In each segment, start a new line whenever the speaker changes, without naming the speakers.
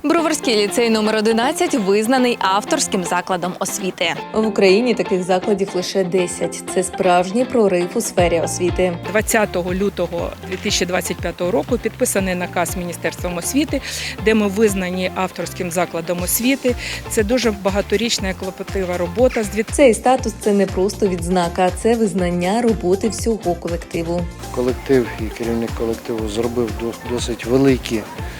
Броварський ліцей номер 11 визнаний авторським закладом освіти. В Україні таких закладів лише 10. Це справжній прорив у сфері освіти.
20 лютого 2025 року підписаний наказ Міністерством освіти, де ми визнані авторським закладом освіти. Це дуже багаторічна і клопотлива робота.
Цей статус – це не просто відзнака, це визнання роботи всього колективу.
Колектив і керівник колективу зробив досить великі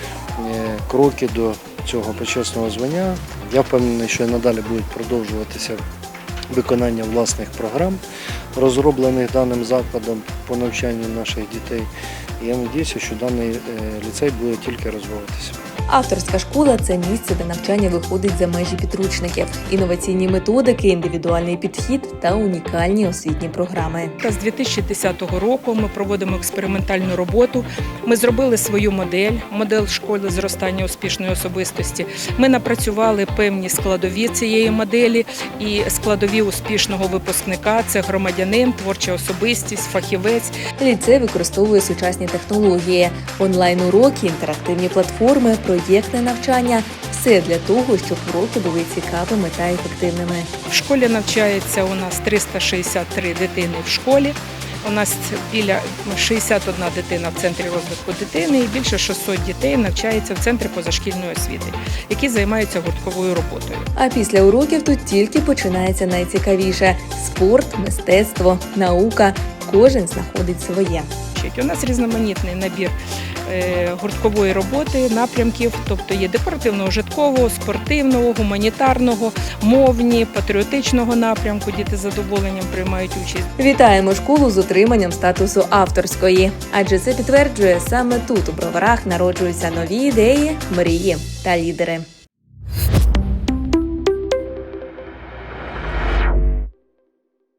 кроки до цього почесного звання. Я впевнений, що надалі будуть продовжуватися виконання власних програм, розроблених даним закладом по навчанню наших дітей. І я сподіваюся, що даний ліцей буде тільки розвиватися.
Авторська школа – це місце, де навчання виходить за межі підручників. Інноваційні методики, індивідуальний підхід та унікальні освітні програми.
З 2010 року ми проводимо експериментальну роботу. Ми зробили свою модель школи зростання успішної особистості. Ми напрацювали певні складові цієї моделі і складові успішного випускника – це громадянин, творча особистість, фахівець.
Ліцей використовує сучасні технології, онлайн-уроки, інтерактивні платформи, проєктне навчання – все для того, щоб уроки були цікавими та ефективними.
В школі навчається у нас 363 дитини в школі. У нас біля 61 дитина в центрі розвитку дитини і більше 600 дітей навчається в центрі позашкільної освіти, які займаються гуртковою роботою.
А після уроків тут тільки починається найцікавіше – спорт, мистецтво, наука. Кожен знаходить своє.
У нас різноманітний набір гурткової роботи, напрямків, тобто є декоративно-ужиткового, спортивного, гуманітарного, мовні, патріотичного напрямку. Діти з задоволенням приймають участь.
Вітаємо школу з отриманням статусу авторської, адже це підтверджує, саме тут у Броварах народжуються нові ідеї, мрії та лідери.